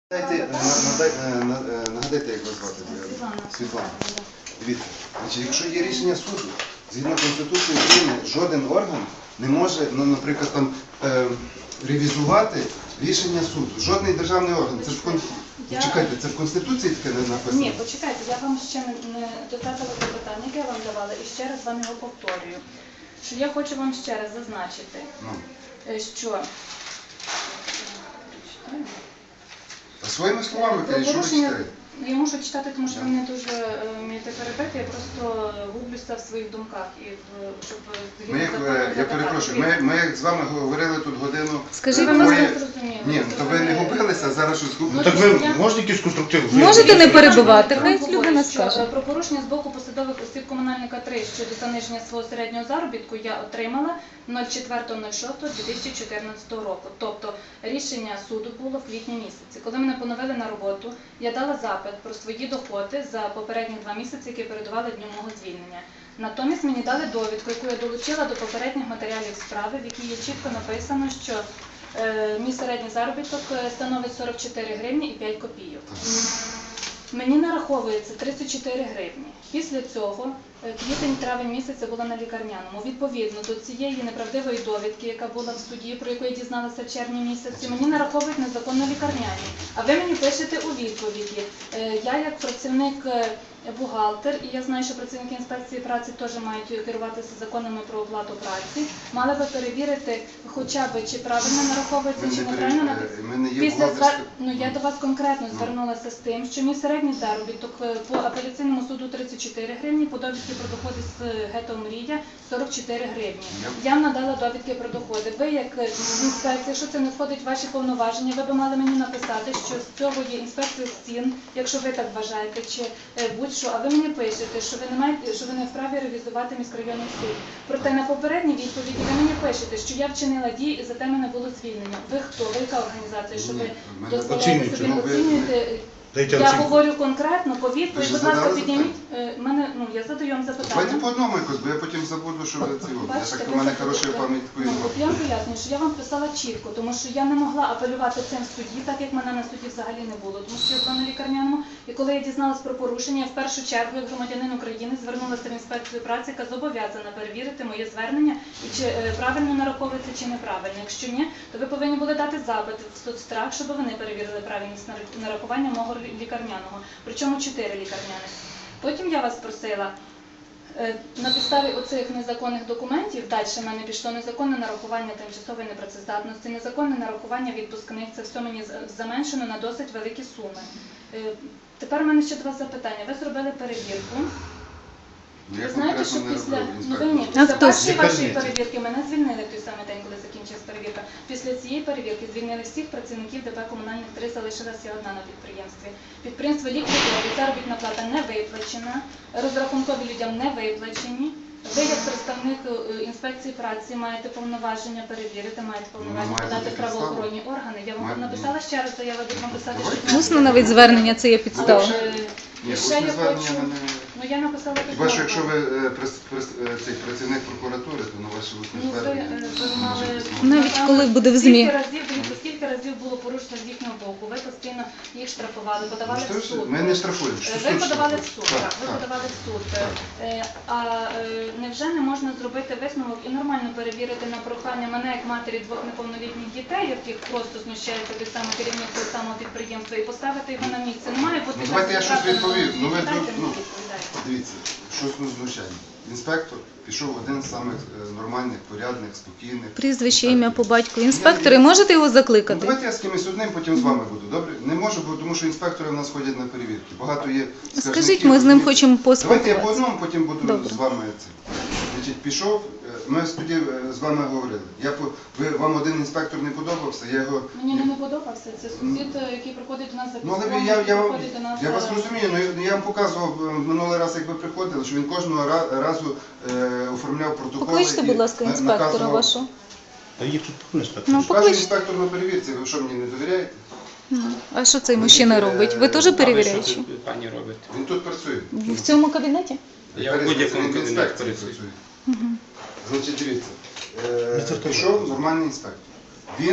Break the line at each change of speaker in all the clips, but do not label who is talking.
Нагадайте, як вас звати? Світлана. Дивіться, якщо є рішення суду, згідно Конституції України, жоден орган не може, наприклад, там, ревізувати рішення суду. Жодний державний орган. Це чекайте, це в Конституції таке не написано?
Ні, почекайте, я вам ще не додатила запитання, яке я вам давала, і ще раз вам його повторюю. Що я хочу вам ще раз зазначити, що...
Своїми словами, що ви читаєте?
Я мушу читати, тому що ви не дуже вмієте перебити, я просто гублюся в своїх думках. Щоб
я перепрошую, ми з вами говорили тут годину.
Скажіть, ви мене зрозуміли.
Ні, то ви не губилися, а зараз щось губите.
Так ви можете якийсь конструктив?
Можете не перебивати, хай людина скаже.
Про порушення з боку посадових осіб комунальника 3 щодо заниження свого середнього заробітку я отримала 04.06.2014 року. Тобто рішення суду було в квітні місяці. Коли мене поновили на роботу, я дала запит про свої доходи за попередні 2 місяці, які передували дню мого звільнення. Натомість мені дали довідку, яку я долучила до попередніх матеріалів справи, в якій є чітко написано, що мій середній заробіток становить 44 гривні і 5 копійок. Мені нараховується 34 гривні. Після цього квітень-травень місяця була на лікарняному. Відповідно до цієї неправдивої довідки, яка була в суді, про яку я дізналася в червні місяці, мені нараховують незаконно лікарняні. А ви мені пишете у відповіді. Я як працівник бухгалтер, і я знаю, що працівники інспекції праці теж мають керуватися законами про оплату праці, мали би перевірити хоча б, чи правильно нараховується, чи неправильно. Я до вас конкретно звернулася з тим, що мій середній заробіток по апеляційному суду 34 гривні, по довідці про доходи з ГЕТО «Мрія» 44 гривні. Я вам надала довідки про доходи. Ви, як інспекція, якщо це не входить в ваші повноваження, ви б мали мені написати, що з цього є інспекція з цін, якщо ви так вважаєте, чи будь-що, а ви мені пишете, що ви не вправі ревізувати міськрайонний суд. Проте на попередній відповіді ви мені пишете, що я вчинила дії і за те мене було звільнення. Ви хто? Ви яка організація? Що ви дозволяєте собі оцінюєте? Я говорю конкретно, по відповідь, будь ласка, підніміть. Я задаю вам запитання.
Давайте по одному якось, бо я потім забуду, що ви це робите. Я так, у мене хороша пам'ять такої.
Я вам пояснюю, що я вам писала чітко, тому що я не могла апелювати цим в суді, так як мене на суді взагалі не було, тому що я була на лікарняному. І коли я дізналась про порушення, я в першу чергу, як громадянин України, звернулася в інспекцію праці, яка зобов'язана перевірити моє звернення, і чи правильно нараховується, чи неправильно. Якщо ні, то ви повинні були дати запит в соцстрах, щоб вони перевірили правильність нарахування мого лікарняного. Причому 4 лікарняних. Потім я вас просила, на підставі оцих незаконних документів, далі в мене пішло незаконне нарахування тимчасової непрацездатності, незаконне нарахування відпускних, це все мені заменшено на досить великі суми. Тепер у мене ще 2 запитання. Ви зробили перевірку. Ви знаєте, що після першої вашої перевірки мене звільнили в той самий день, коли закінчилась перевірка. Після цієї перевірки звільнили всіх працівників ДП «Комунальних 3», залишилася одна на підприємстві. Підприємство ліквідоване, заробітна плата не виплачена, розрахункові людям не виплачені. Ви, як представник інспекції праці, маєте повноваження перевірити, маєте повноваження подати правоохоронні органи. Я вам написала ще раз заяву, вам писати, що...
Усно навіть звернення, це є підстава.
Ні, усне звернення мене...
я написала письмо.
Хіба що якщо ви працівник прокуратури, то на ваше усне звернення...
Навіть коли буде в ЗМІ.
Скільки разів було порушено з їхнього боку? Ви постійно їх штрафували, подавали в суд.
Ми не штрафуємо.
Ви подавали в суд, так, ви подавали в суд. А невже не можна зробити висновок і нормально перевірити на прохання мене, як матері 2 неповнолітніх дітей, яких просто знущається те саме керівник того самого підприємства, і поставити його на місце? Немає бути...
Давайте я щось відповів. Дивіться, щось знущання. Інспектор пішов один з самих нормальних, порядних, спокійних.
Прізвище, ім'я по батьку. Інспектори, можете його закликати?
Давайте я з кимось одним, потім з вами буду, добре? Не можу, тому що інспектори в нас ходять на перевірки. Багато є скаржників.
Скажіть, ми з ним хочемо поспілкуватися.
Давайте я по одному, потім буду з вами це. Значить, пішов, ми тоді з вами говорили. Вам один інспектор не подобався, я його...
Мені не подобався, це сусід, який приходить до нас за
але я вас розумію, я вам показував минулий раз, як ви приходили, що він кожного разу оформляв протоколи.
Покличте, будь ласка, інспектора вашого.
Та є тут інспектор.
Ваш інспектор на перевірці, ви що, мені не довіряєте?
А що цей мужчина робить? Ви теж перевіряючі?
Що пані робить?
Він тут працює.
В цьому кабінеті?
Я в будь-якому кабінеті працюю.
Значить, дивіться, пішов нормальний інспектор. Він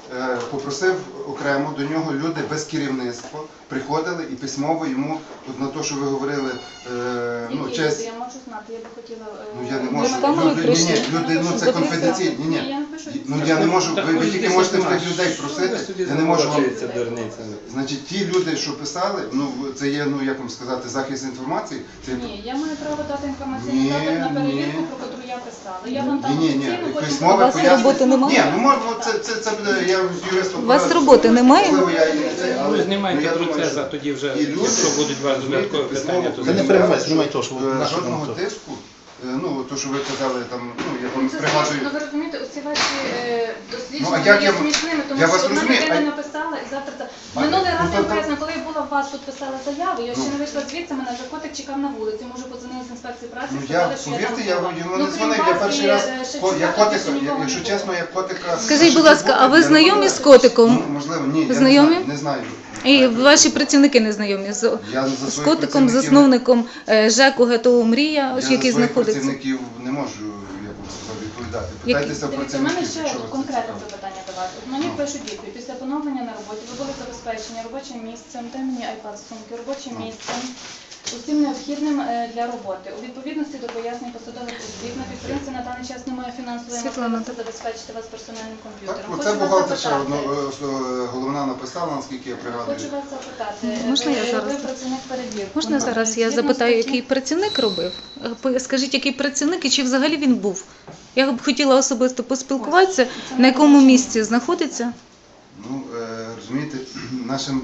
попросив окремо до нього люди без керівництва, приходили і письмово йому, от на те, що ви говорили, ну,
Які
честь.
люди? Я можу знати, я би хотіла...
Ну я не можу.
З камерою прийшли.
Люди, ну це конфіденційно. Ні,
Я
ні.
не пишу.
Ну я не можу, ви тільки можете в тих людей просити, я не можу вам.
Це дурниця.
Значить, ті люди, що писали, ну це є, ну як вам сказати, захист інформації. Це
Ні, я маю право дати інформаційний
Ні,
запит на перевірку,
ні.
про яку я писала. Я вам там
ні,
офіційно потім...
письмове
У вас
пояснення.
роботи немає?
Ні, ну можна, це буде, я з юристом.
У вас роботи немає?
Можливо, я і не це, але
Ви
ну,
знімайте
я думаю,
процес,
що
а тоді вже,
і люди,
якщо будуть у вас додаткові
розумієте,
питання, то
письмово
не
заявляли,
знімайте
що,
то, що
жодного тиску, ну то, що ви казали, там, ну я вам
Це
пригадую.
смішно, ви розумієте, оці ваші
Ну,
дослідження
а як
є
я-
смішними, тому
я
що
вас
одна
розумію,
людина
а-
написала і завтра це...
А,
Минулий
ну,
раз
то-
я
то-
поясню, коли я була у вас тут писала заяву, я ще
Ну.
не вийшла звідси, мене вже котик чекав на вулиці, може подзвонили з інспекції праці,
Ну я,
сказали, що
повірте,
я
я
там була.
йому
Ну,
не
крім
дзвонив, я
вас
перший
і,
раз,
ще
я
чекати,
котика,
що нікого
якщо
не
чесно,
було.
я котика...
Скажіть, будь ласка, а ви
я не
знайомі з
буду.
котиком?
Ну, можливо, ні, я
Знайомі?
не знаю.
І ваші працівники не знайомі з,
Я за
з
своїх
котиком,
працівників-
засновником ЖЕКу ГТО Мрія,
Я за
який
своїх
знаходиться.
працівників не можу, як вам сказати, відповідати.
Які?
Питайтеся в
Дивіться, у мене
працівників,
ще
якщо вас це
конкретне
цікавить.
запитання до вас. От мені
Ну.
пишуть відповідь. Після поновлення на роботі ви були забезпечені робочим місцем, та мені iPad сумки, робочим
Ну.
місцем, усім необхідним для роботи. У відповідності до пояснень посадових осіб на підприємстві на даний час немає фінансової
Світлана,
можливості забезпечити вас персональним
Так,
комп'ютером.
оце
Хочу вас
бухгалтерша
запитати.
головна написала, наскільки я пригадую.
Хочу вас запитати.
Можна я зараз?
Ви працівник перевірки.
Можна зараз я
Згідно
запитаю,
статті-
який працівник робив? Скажіть, який працівник і чи взагалі він був? Я б хотіла особисто поспілкуватися, на якому місці знаходиться.
Ну, розумієте, нашим...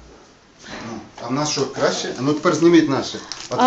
Ну, а в нас що, краще? Ну тепер зніміть наше.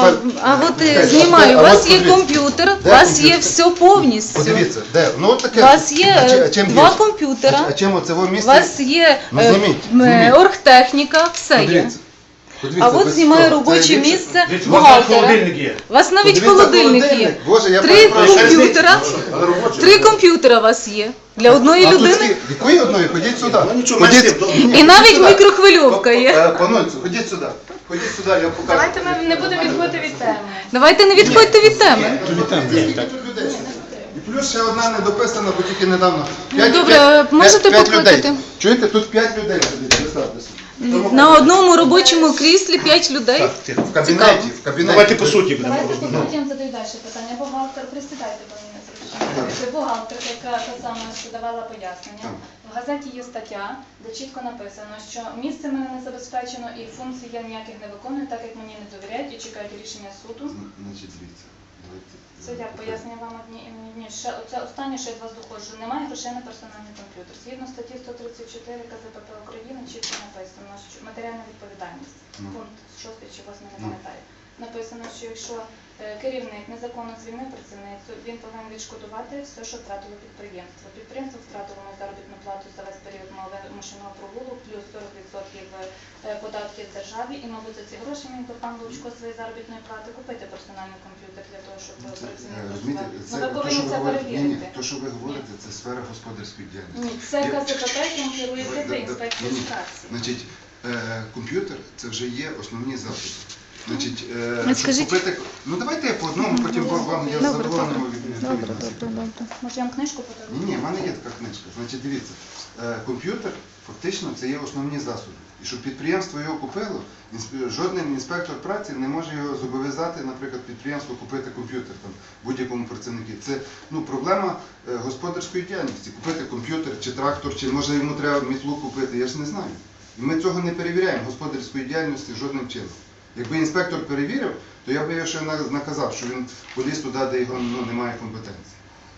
А от
Чекайте,
знімаю, у
а
вас
от
є
подивіться.
комп'ютер, у
Де
вас є
комп'ютер?
все повністю.
Подивіться, де? Ну от таке.
У вас є
А чим
два
є?
комп'ютера,
А чим оце
у
місце?
вас є
Ну, зніміть.
оргтехніка, все є.
Подивіться. Подивіться,
А от
без
знімаю
того. Це
робоче
ліпше.
місце
Дивіться,
бухгалтера.
холодильник є.
У вас навіть
Подивіться,
холодильник є.
Боже, я
Три
перепрошую.
комп'ютера.
Але робочий.
3 комп'ютера у вас є для одної
А тут
людини.
скільки? Якої одної? Ходіть сюди.
Ну, нічого,
Ходіть.
менше, добре.
Ні,
І навіть
ходіть сюди.
мікрохвильовка є.
Панонцю, ходіть сюди. Ходіть сюди, я покажу.
Давайте ми не будемо відходити від теми.
Давайте не відходьте від теми.
Скільки тут людей сидить? І плюс ще одна недописана, бо тільки недавно.
добре, можете
п'ять
покликати?
людей. Чуєте, тут 5 людей сидить, представте собі.
На одному робочому кріслі 5 людей.
Так, тихо.
В кабінеті, в кабінеті.
Давайте по суті будемо
Давайте
розмовляти.
потім задаю далі питання. Бухгалтер, присідайте, бо мені незручно. Це бухгалтер, яка та сама, що давала пояснення.
Так.
В газеті є стаття, де чітко написано, що місце мене не забезпечено і функцій я ніяких не виконую, так як мені не довіряють і чекають рішення суду.
Значить, дивіться. Давайте.
Це як пояснення вам одні і мені. Ще оце останнє, що я від вас доходжу. Немає грошей на персональний комп'ютер. Згідно статті 134 КЗПП України чітко написано, що матеріальна відповідальність.
Ну.
Пункт 6 чи 8, не
Ну.
пам'ятаю. Написано, що якщо керівник незаконно звільнив працівницю, він повинен відшкодувати все, що втратило підприємство. Підприємство втратило мою заробітну плату за весь період мого вимушеного прогулу, плюс 40% податків державі, і, мабуть, за ці гроші міг би пан Лучко своєї заробітної плати купити персональний комп'ютер для того, щоб працівник
Розумієте,
працював.
це
Ну, ви
то,
повинні
що ви
це
говорите. Ні,
перевірити.
то, що ви говорите, це сфера господарської діяльності.
Ні, це
Я-
КЗПП, яким керуєте ви, інспекція
Ні,
з праці.
Значить, комп'ютер це вже є основні засоби. Значить,
Ну,
щоб
скажіть-
купити... Ну давайте я по одному, потім вам я
Добре,
задоволений
добре.
відповім.
Добре,
на це.
добре, добре.
Може, я вам книжку подарую?
Ні, в мене є така книжка. Значить, дивіться, комп'ютер фактично це є основні засоби. І щоб підприємство його купило, жоден інспектор праці не може його зобов'язати, наприклад, підприємство купити комп'ютер там будь-якому працівнику. Це проблема господарської діяльності. Купити комп'ютер чи трактор, чи може йому треба мітлу купити, я ж не знаю. І ми цього не перевіряємо господарської діяльності жодним чином. Якби інспектор перевірив, то я б його ще наказав, що він поліз туди, де його немає компетенції.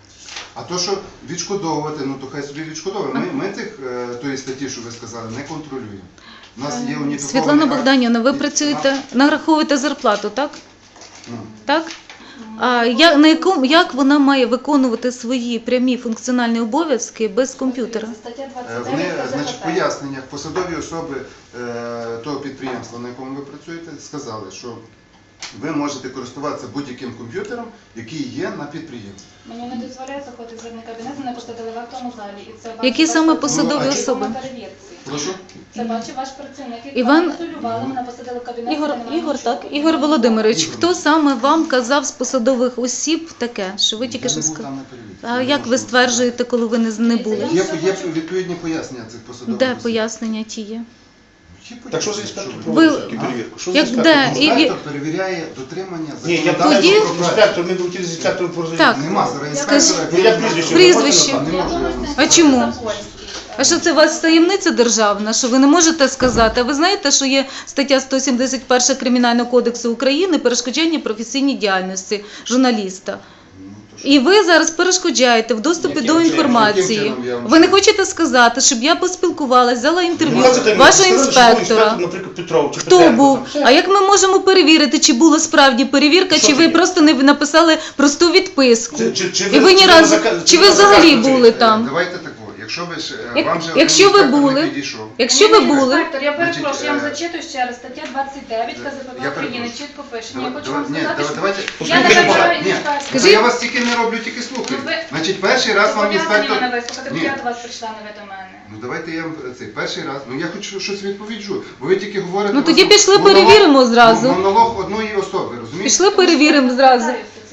А то, що відшкодовувати, ну то хай собі відшкодовує. Ми цих тої статті, що ви сказали, не контролюємо. У нас є уніфікований
Світлана
акт.
Богданівна, ви працюєте, нараховуєте зарплату, так?
Ну,
Так? А як вона має виконувати свої прямі функціональні обов'язки без комп'ютера?
Це стаття
Вони,
29
значить, в
КЗПП.
поясненнях посадові особи того підприємства, на якому ви працюєте, сказали, що ви можете користуватися будь-яким комп'ютером, який є на підприємстві.
Мені не дозволяє заходити в жодний кабінет, мене посадили в актовому залі. І це
Які
бачу
саме
ваш
посадові
працівник
особи?
на перевірці.
Прошу?
Це бачив ваш працівник, який
Іван-
консулювали, мене посадили в кабінет.
Ігор, так, Ігор Володимирович, хто саме вам казав з посадових осіб таке, що ви тільки
Я
що
не був
сказали?
там на перевірці.
А
Я
як
можу
ви
вам
стверджуєте, коли ви не були?
сказати. Є відповідні пояснення цих посадових
Де
осіб.
пояснення ті є?
Є
Так що за
пояснення,
інспектор
що ви-
Ви-
проводить таку перевірку? Що за
Як
інспектор?
де? І-
Інспектор перевіряє дотримання
Ні, я
законодавства
Тоді-
питаю
про
про
працю.
інспектор, ми б хотіли з інспектором порозуміти.
Так.
Нема зараз
Скажіть,
інспектора.
ну, як прізвище?
Прізвище.
Не можу я вам
А
сказати.
чому? А що це у вас таємниця державна, що ви не можете сказати? А ви знаєте, що є стаття 171 Кримінального кодексу України перешкоджання професійній діяльності журналіста.
Ну, то що?
І ви зараз перешкоджаєте в доступі
Яким
до
чином?
інформації.
Яким чином я вам
Ви не
скажу?
хочете сказати, щоб я поспілкувалася, взяла інтерв'ю
Ну, це
вашого
сказали, що був
інспектора.
інспектор, наприклад, Петров чи
Хто
Петренко,
був?
там, все.
А як ми можемо перевірити, чи була справді перевірка,
Що
чи ви
таке?
просто не написали просту відписку?
Чи
І ви ні разу, чи ви взагалі були там?
Давайте так, якщо ви ж
Як-
вам же
якщо
один
ви
інспектор
були-
не підійшов.
Якщо ви були,
Інспектор, я перепрошую, я вам
Значить,
зачитую ще раз. Стаття 29 КЗПВ
я
України
перепрошую.
чітко пише. Ні, я хочу
Давай-
вам
ні,
сказати, що
давайте.
я не
Послухайте,
вважаю
Ні,
інспектора.
Скажіть-
я вас тільки не роблю, тільки слухаю.
Ну, ви-
Значить, перший раз вам
Зобов'язані
інспектор...
мене вислухати, бо
Ні.
я до вас прийшла, не ви до мене.
Ну давайте я вам цей перший раз. Ну я хочу щось відповіджу. Бо ви тільки говорите.
Ну, тоді
у вас
пішли
монолог-
перевіримо зразу.
Монолог одної особи, розумієте?
пішли перевіримо зразу.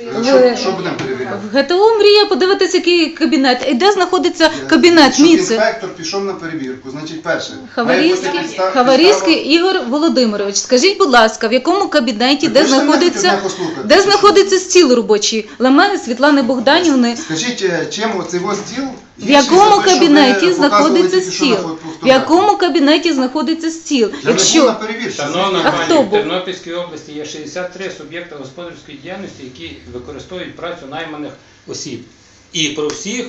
Що будемо перевіряти?
В ГТО мрія подивитися, який кабінет. І де знаходиться кабінет
Щоб
Міци?
інспектор пішов на перевірку, значить перше.
Хаварійський Ігор Володимирович. Скажіть, будь ласка, в якому кабінеті, де знаходиться стіл робочий Лемени Світлани Богданівни?
Скажіть, чим оцей ось стіл?
В якому кабінеті знаходиться стіл? В якому кабінеті знаходиться стіл?
Я не був на
Якщо
перевірці.
Шановна
А
пані,
хто
в
був?
Тернопільській області є 63 суб'єкти господарської діяльності, які використовують працю найманих осіб. І про всіх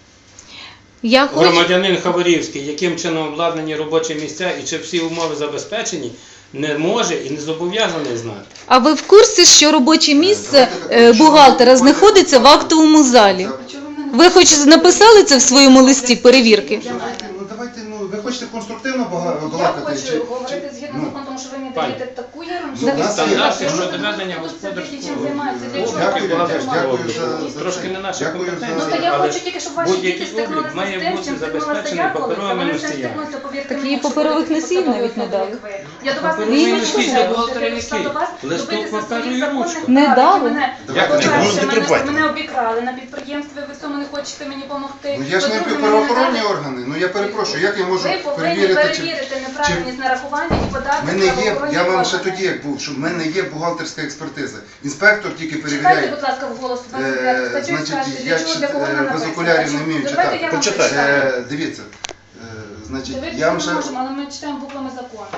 я хочу.
громадянин Хаварівський, яким чином обладнані робочі місця і чи всі умови забезпечені, не може і не зобов'язаний знати.
А ви в курсі, що робоче місце
Давайте так,
бухгалтера
що ви
знаходиться в актовому залі? Ви хоч написали це в своєму листі перевірки?
Ви хочете конструктивно
Я
балакати?
хочу говорити згідно
Ну,
закону, тому що ви мені
пані.
даєте таку
Ну,
ерунду.
у нас є-
Стандарти
Ну,
щодо ведення
чим
господарського
займаються, для чого
Дякую,
вам
Дякую,
це
дякую
робити?
за
Трошки
це.
не наша
Дякую
компетенція.
Ну,
за...
то я
Але
хочу тільки, щоб ваші
будь-який
діти стикнулися
облік має
з тим,
бути
чим стикнулася
забезпечений
я колись, а
паперовими
вони з цим
носіями.
стикнуться, повірте
Так
мені,
їй
якщо
паперових
будете
носіїв
посадові
навіть не
особи,
дали.
як ви. Я до вас не
Паперові
прийшла,
носії
я
для бухгалтера
прийшла
які?
до вас
Листок
добитися
паперу
своїх
і
законних
ручка.
Не
прав,
дали.
які мене,
Як не
по-перше,
дали? Не
мене
придбайте.
обікрали на підприємстві, ви в цьому не хочете мені допомогти.
Ну я ж не
По-друге, мені
правоохоронні
не дали-
органи. Ну я перепрошую, як я можу
Ви повинні
перевірити, чи...
перевірити неправильність нарахування і подати
В мене є,
правоохоронні
я вам ще
органи.
тоді як був, що в мене є бухгалтерська експертиза. Інспектор тільки
Читайте,
перевіряє.
будь ласка, вголос 29 статтю і
Значить,
скажете,
я
для чого, для кого вона
без
написана.
окулярів не вмію
Давайте
читати.
я вам
Почитайте.
прочитаю.
Дивіться, значить,
Дивитися
я вам
ми
ще...
можемо, але ми читаємо буквами закону.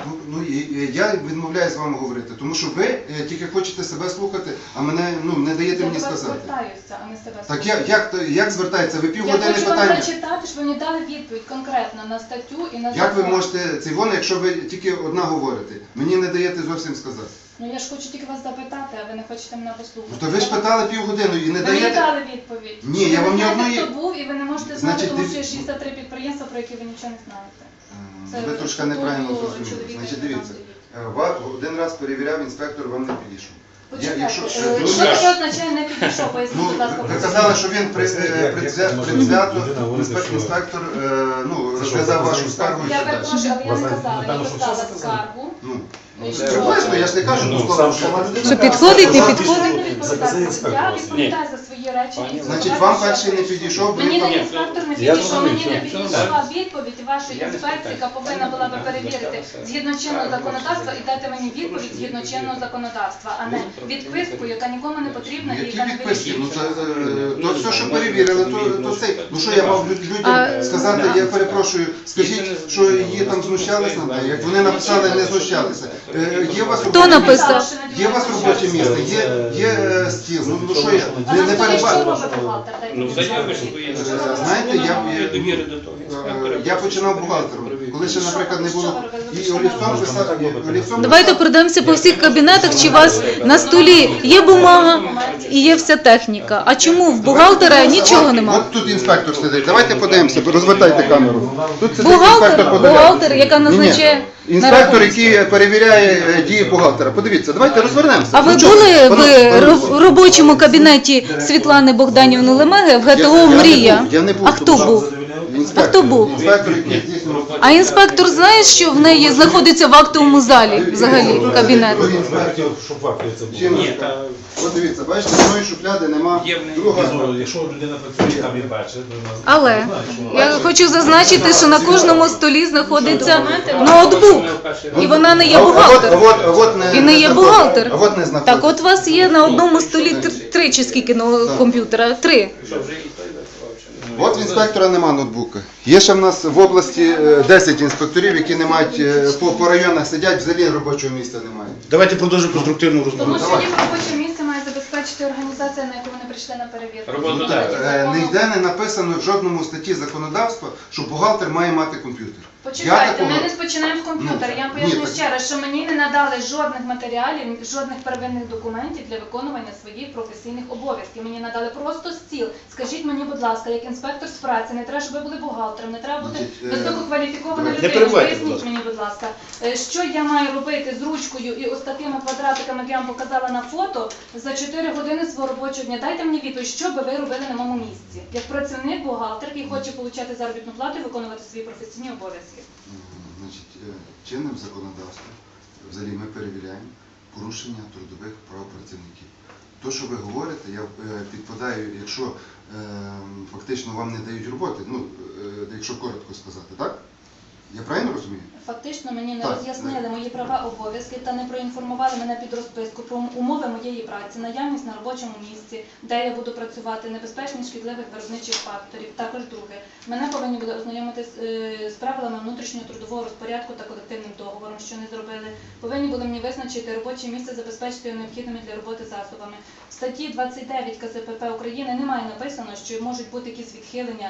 Я відмовляюсь з вами говорити, тому що ви тільки хочете себе слухати, а мене не даєте
Я
мені
до вас
сказати.
звертаюся, а не себе
Так
слухаю.
як звертається? Ви
Я
півгодини
хочу вам
питання.
прочитати, щоб ви мені дали відповідь конкретно на статтю і на
Як ви
закон.
можете цей вон, якщо ви тільки одна говорите? Мені не даєте зовсім сказати.
Ну я ж хочу тільки вас запитати, а ви не хочете мене послухати.
Ну то ви ж питали півгодини і не
Ви мені
даєте.
дали відповідь.
Ні,
Ви
я
не
вам ні
знаєте,
одної-
хто був, і ви не можете знати,
Значить,
тому
див-
що є 63 підприємства, про які ви нічого не знаєте. Це
Ви трошки
статуту
неправильно зрозуміли.
чоловіка,
Значить,
який
дивіться,
там стоїть.
один раз перевіряв інспектор, вам не підійшов.
Почекайте,
якщо-
що
дуже-
таке означає не підійшов? Поясніть,
Ну,
будь ласка.
ви казали, що він предвзято, інспектор розглядав вашу скаргу і
Я
так далі.
перепрошую, але я не казала. Я писала скаргу.
Ну,
Що?
приблизно, я ж не кажу,
Ну,
що
сам
сама людина.
Що підходить, не
Ви
підходить?
повинні відповідати. Я відповідаю за свої речі. і
Значить,
за
вам
те,
перший
що
не
я
підійшов,
Мені
ви-
не інспектор не
Я
підійшов,
зрозумів,
мені не
що-
підійшла відповідь вашої
Я не
інспекції, яка
спитаю.
повинна була би перевірити згідно чинного законодавства і дати мені відповідь згідно чинного законодавства, а не відписку, яка нікому не потрібна і
Які
яка не
відписки? Ну,
вирішує.
то все, що перевірили, то це. Ну що я мав людям
А-
сказати, я перепрошую, скажіть, що її там знущались над нею, як вони написали, не знущалися. Є у вас
Хто
робоче
написав?
місце? Є у вас робоче місце, є стіл. Ну що я?
А
Не
на столі що
перебачу.
робить бухгалтер? Дайте
Ну,
мені
заявиш,
відповідь.
що
Знаєте,
Вона має довіри до того інспектора.
я починав бухгалтером. коли ще, наприклад, не
Що
було
ви робили? Ви
і
пішли
олівцом
на
писати, і олівцом
Давайте
писати.
пройдемося по всіх кабінетах, чи у вас на столі є бумага і є вся техніка. А чому в бухгалтера нічого нема?
От тут інспектор сидить. Давайте подивимося, розвертайте камеру. Тут сидить
Бухгалтер,
подивляє.
бухгалтер, яка
Ні-ні.
назначає на
Інспектор,
рахунок.
який перевіряє дії бухгалтера. Подивіться, давайте розвернемося.
А ви
Ну, чого?
були
Пане-
в робочому кабінеті Світлани Богданівни Лемеги в ГТО
Я не
«Мрія»?
був, я не був,
А хто
тому що-
був?
Інспектор,
А хто був?
Інспектор, який здійснював.
А інспектор знає, що в неї знаходиться в актовому залі взагалі кабінет?
Щоб в акті це було.
Чим?
Ні, та
От дивіться, бачите, одної шухляди нема.
Є в неї.
Друга.
Якщо людина працює, там і бачить.
Але я хочу зазначити, що на кожному столі знаходиться ноутбук. І вона не є бухгалтер. І не є бухгалтер.
А от не знаходиться.
Так от у вас є на одному столі три чи скільки комп'ютера? Три.
що вже і той працював, чи не?
От в інспектора нема ноутбука. Є ще в нас в області 10 інспекторів, які не мають по районах сидять, взагалі робочого місця немає.
Давайте продовжимо конструктивну розмову.
Тому що їх робоче місце має забезпечити організація, на яку вони прийшли на перевірку.
Роботодавець.
Ніде не написано в жодному статті законодавства, що бухгалтер має мати комп'ютер.
Почекайте,
Я
ми
такого-
не спочинаємо з комп'ютера. Я вам
Ні,
поясню
так-
ще раз, що мені не надали жодних матеріалів, жодних первинних документів для виконування своїх професійних обов'язків. Мені надали просто стіл. Скажіть мені, будь ласка, як інспектор з праці, не треба, щоб ви були бухгалтером, не треба бути
Значить,
висококваліфікована
не
людина.
перебивайте, будь
Поясніть
ласка.
мені, будь ласка, що я маю робити з ручкою і ось такими квадратиками, як я вам показала на фото, за 4 години свого робочого дня. Дайте мені відповідь, що би ви робили на моєму місці, як працівник, бухгалтер, який хоче отримати заробітну плату і виконувати свої професійні обов'язки.
Значить, чинним законодавством взагалі ми перевіряємо порушення трудових прав працівників. То, що ви говорите, я підпадаю, якщо фактично вам не дають роботи, ну, якщо коротко сказати, так? Я правильно розумію?
Фактично мені не
Так,
роз'яснили мої права, обов'язки та не проінформували мене під розписку про умови моєї праці, наявність на робочому місці, де я буду працювати, небезпечність шкідливих виробничих факторів. Також друге, мене повинні були ознайомити з правилами внутрішнього трудового розпорядку та колективним договором, що не зробили. Повинні були мені визначити робоче місце, забезпечити його необхідними для роботи засобами. В статті 29 КЗПП України немає написано, що можуть бути якісь відхилення,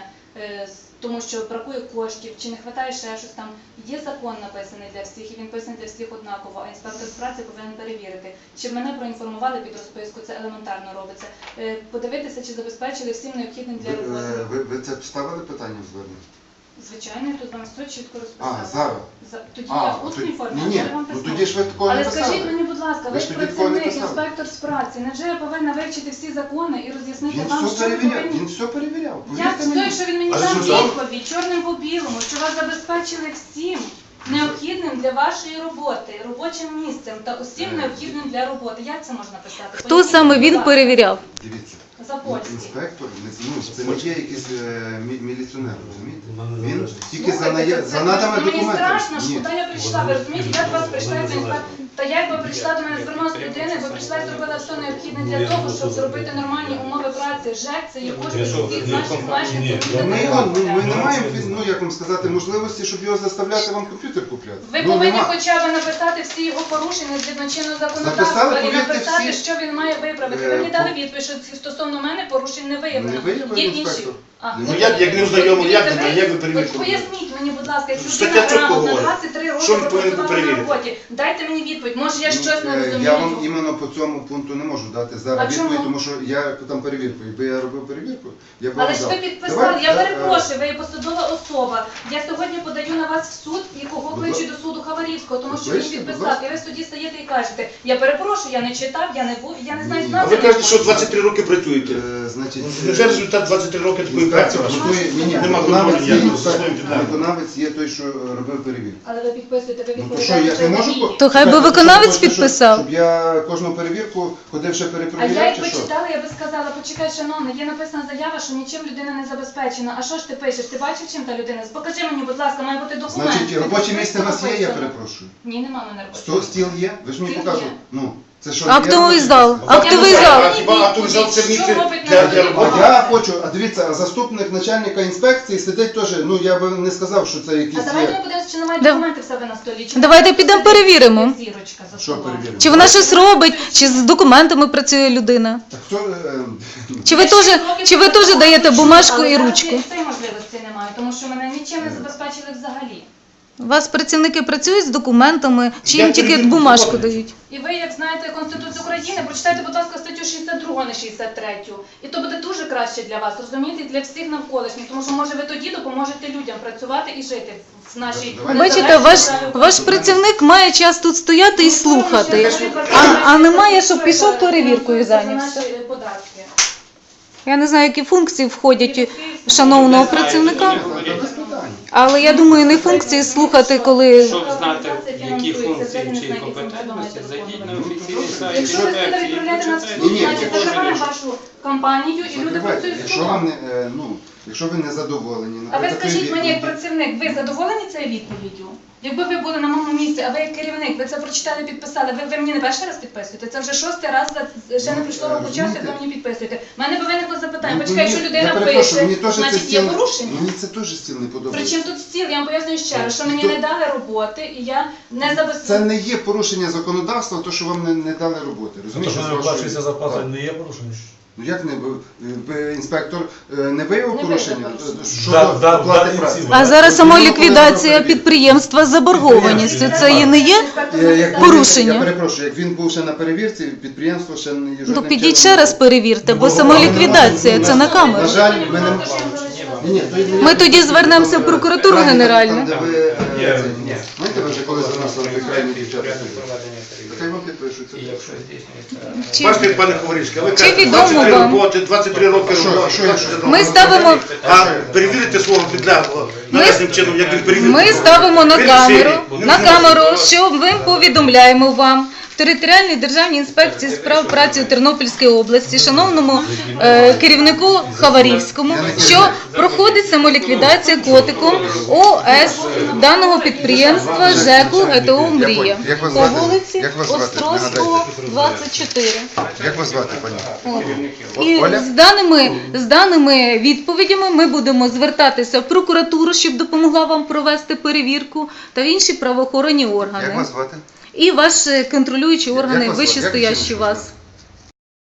тому що бракує коштів, чи не вистачає ще щось там. Є закон написаний для всіх, і він писаний для всіх однаково, а інспектор з праці повинен перевірити. Чи мене проінформували під розписку, це елементарно робиться. Подивитися, чи забезпечили всім необхідним для роботи.
Ви це ставили питання в зверненні?
Звичайно, я тут вам все чітко розписала.
зараз?
Тоді я в усній формі,
Ні,
а я вам
ну
писала.
тоді ж ви такого не
Але
писали.
скажіть мені, будь ласка, ви
Ви
ж
ж тоді такого не
працівник,
писали.
інспектор з праці, невже я повинна вивчити всі закони і роз'яснити
Він
вам,
все
що ви
перевіряв,
повинні?
він все перевіряв.
Як
повірте
той,
мені.
що він мені
Але
дав
що там?
відповідь, чорним по білому, що вас забезпечили всім необхідним для вашої роботи, робочим місцем та усім необхідним для роботи. Як це можна писати?
Хто
Поясніть,
саме
будь
він
ласка.
перевіряв?
Дивіться.
Запольський.
Інспектор, це не є якийсь міліціонер, розумієте?
Нам не
Він
належить.
тільки
Слухайте,
за надами
мені
документів.
страшно,
Ні.
куди я прийшла, ви розумієте, я до вас прийшла як інспектор. Та я якби прийшла до мене звернулася людина, бо прийшла і зробила все необхідне для того, щоб зробити нормальні умови праці. ЖЕК це є кошти всіх наших мешканців.
Ми не маємо, ну як вам сказати, можливості, щоб його заставляти вам комп'ютер купляти.
Ви
Ну,
повинні
нема.
хоча б написати всі його порушення згідно чинного
Написали,
законодавства і
повірте,
написати,
всі.
що він має виправити. Ви мені дали відповідь, що стосовно мене порушень не виявлено.
Не виявив
Є інші.
інспектор.
Ну, як не ознайомили, як ви
Дивіться,
перевірку робили?
Поясніть мені, будь ласка, як
Стаття
людина
чітко
грамотна,
говорить.
23 роки
Що він повинен
пропрацювала на
перевірити?
роботі. Дайте мені відповідь, може я щось не розумію.
Я вам іменно по цьому пункту не можу дати
А
зараз
чому?
відповідь, тому що я там перевірку. Якби я робив перевірку, я б
Але
вам
ж
дав.
ви підписали,
Давай,
я перепрошую, ви є посадова особа. Я сьогодні подаю на вас в суд і кого
Будь
кличу
ласка.
до суду Хаварівського, тому що він
Кличте, будь
підписав.
ласка.
І ви в суді стаєте і кажете, я перепрошую, я не читав, я не був, я не знаю
Ні.
А ви кажете, що 23 роки працюєте.
Значить,
Невже результат 23 роки такої праці
інспектор,
вашої? Нема
виконавець
контролю
є,
ніякого за своїм підданим.
виконавець є той, що робив перевірку.
Але ви підписуєте, ви
Ну то
відповідаєте.
що, я ж не
за
можу...
дії.
То хай би
Чекайте,
виконавець
що ви хочете,
підписав.
Щоб я кожну перевірку ходив ще
А я
перепровіряв,
як
чи
би
що?
читала, я би сказала, почекай, шановний, є написана заява, що нічим людина не забезпечена. А що ж ти пишеш? Ти бачив, чим та людина? Покажи мені, будь ласка, має бути документ.
Значить, робоче місце у вас є, я
Написано.
перепрошую.
Ні, нема в мене робочого.
Стіл є? Ви ж мені
Стіл
показували.
є.
Ну, це що?
Актовий
є
зал.
робоче місце?
Актовий
Я
зал.
не
А хіба актовий зал це місце
Що робить
для
на
роботи?
А я хочу, а дивіться, а заступник начальника інспекції сидить теж, ну я би не сказав, що це якісь
А давайте
є.
ми подивимося, чи немає
Да.
документи в себе на столі. Чи
Давайте
немає
підемо
в себе
перевіримо.
зірочка за
Що
столом.
перевіримо?
Чи вона щось робить, чи з документами працює людина?
Так хто,
Чи ви теж даєте бумажку
Але
і
зараз
ручку?
я цієї можливості немає, тому що мене нічим не забезпечили взагалі.
У вас працівники працюють з документами, чи
Я
їм тільки
перевірку
бумажку
зробив.
дають?
І ви, як знаєте Конституцію України, прочитайте, будь ласка, статтю 62, не 63. І то буде дуже краще для вас, розумієте, і для всіх навколишніх, тому що, може, ви тоді допоможете людям працювати і жити в нашій
Бачите, ваш працівник має час тут стояти і слухати, а немає, щоб пішов перевіркою зайнявся.
Наші податки.
Я не знаю, які функції входять у шановного працівника,
Без питань.
але я думаю, не функції слухати, коли...
Щоб знати, які функції чи компетентності, зайдіть на офіційний сайт
Якщо ви будете
інспекції.
відправляти нас в
вивчайте.
суд,
Ні,
значить
якщо
закриваємо
ви-
вашу кампанію і люди
Закривайте.
працюють з
Якщо
судом.
вам не, якщо ви не задоволені,
А ви
наприклад,
скажіть мені, як
відповідь-
працівник, ви задоволені цією відповіддю? Якби ви були на моєму місці, а ви як керівник, ви це прочитали, підписали, ви мені не перший раз підписуєте? Це вже 6-й раз, ще не пройшло року часу, як ви мені підписуєте. У мене би виникло запитання,
Ну,
почекай, якщо
я
людина
перепрошую,
пише,
мені теж це
значить є
стіл-
порушення.
Мені це теж стіл не подобається.
Причому тут стіл, я вам пояснюю ще раз, що мені
То-
не дали роботи, і я не
Це
забезпечила.
не є порушення законодавства, то що вам не дали роботи.
Те,
Розумієте?
що
з
не
вашої-
виплачується зарплата,
Так.
не є порушення?
Ну як не інспектор не виявив
Не
порушення
виявив порушення.
щодо оплати праці?
А зараз
Чому
самоліквідація
коли
підприємства з заборгованістю, це і не є?
Як
Порушення.
Я перепрошую, як він був ще на перевірці, підприємство ще не
Ну
жодним
підіть
чином-
ще раз перевірте, бо самоліквідація, це на камеру.
На жаль, ми не Ні, то є
Ми тоді звернемося в прокуратуру
Там,
генеральну.
де ви,
Ні,
це,
ні.
знаєте, ви вже коли заносили в крайні дівчата.
Порядок проведення
Хай
перевірки.
вам підпишуться.
І якщо здійснюється...
Чи-
Бачите, пане Ховорішка, ви
Чи
кажете,
відомо
23
вам?
роботи, 23 роки
Що,
роботи.
що, якщо-
Ми ставимо,
А перевірити свого підлеглого належним чином, як він перевірив.
ми ставимо на
Ви
камеру,
сирі.
на камеру, що ми повідомляємо вам в територіальній державній інспекції з прав праці у Тернопільській області, шановному керівнику Хаварівському, що проходить самоліквідація котиком ОС даного підприємства ЖЕКу ГТО «Мрія»
Як вас
по
звати?
вулиці
Як вас звати?
Острозького, 24.
Як вас звати, пані?
От. І
Оля?
з даними відповідями ми будемо звертатися в прокуратуру, щоб допомогла вам провести перевірку, та в інші правоохоронні
Як
органи.
вас звати?
І ваші контролюючі
Як
органи,
вас звати? Як
вищестоящі
жіночку
вас.
звати?